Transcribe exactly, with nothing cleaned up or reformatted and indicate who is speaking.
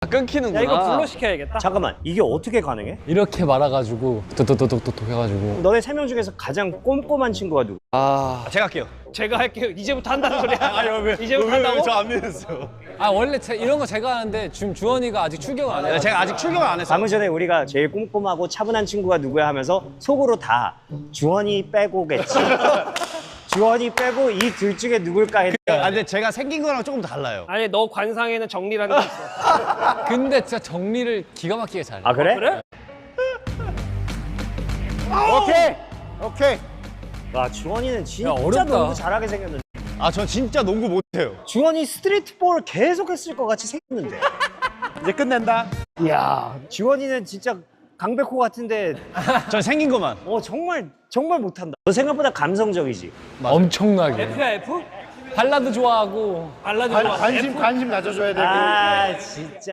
Speaker 1: 끊기는구나.
Speaker 2: 야 이거 불러 시켜야겠다.
Speaker 3: 잠깐만, 이게 어떻게 가능해?
Speaker 4: 이렇게 말아가지고 도도도도도도 해가지고.
Speaker 3: 너네 세 명 중에서 가장 꼼꼼한 친구가 누구?
Speaker 1: 아,
Speaker 5: 제가 할게요.
Speaker 2: 제가 할게요. 이제부터 한다는 소리야.
Speaker 5: 아니 왜?
Speaker 2: 이제부터 한다고?
Speaker 5: 저안 믿었어요.
Speaker 4: 아 원래 제, 이런 거 제가 하는데 지금 주원이가 아직 출격을 안 해.
Speaker 5: 제가 아직 출격을 안 했어요.
Speaker 3: 방금 전에 우리가 제일 꼼꼼하고 차분한 친구가 누구야 하면서 속으로 다 주원이 빼고겠지. 주원이 빼고 이 둘 중에 누굴까 했는데
Speaker 5: 아 근데 제가 생긴 거랑 조금 달라요.
Speaker 2: 아니 너 관상에는 정리라는 게 있어.
Speaker 4: 근데 진짜 정리를 기가 막히게 잘해.
Speaker 3: 아 그래?
Speaker 2: 그래?
Speaker 5: 오케이. 오케이.
Speaker 3: 와 주원이는 진짜
Speaker 4: 야, 어렵다.
Speaker 3: 농구 잘하게 생겼는데
Speaker 5: 아 저 진짜 농구 못해요.
Speaker 3: 주원이 스트리트 볼 계속 했을 것 같이 생겼는데
Speaker 5: 이제 끝낸다.
Speaker 3: 이야 주원이는 진짜 강백호 같은데
Speaker 5: 전 생긴 것만.
Speaker 3: 어 정말 정말 못한다. 너 생각보다 감성적이지.
Speaker 4: 엄청나게.
Speaker 2: F야 F?
Speaker 4: 발라드 좋아하고.
Speaker 2: 발라드 좋아.
Speaker 6: 관심 관심 가져줘야 돼.
Speaker 3: 아 진짜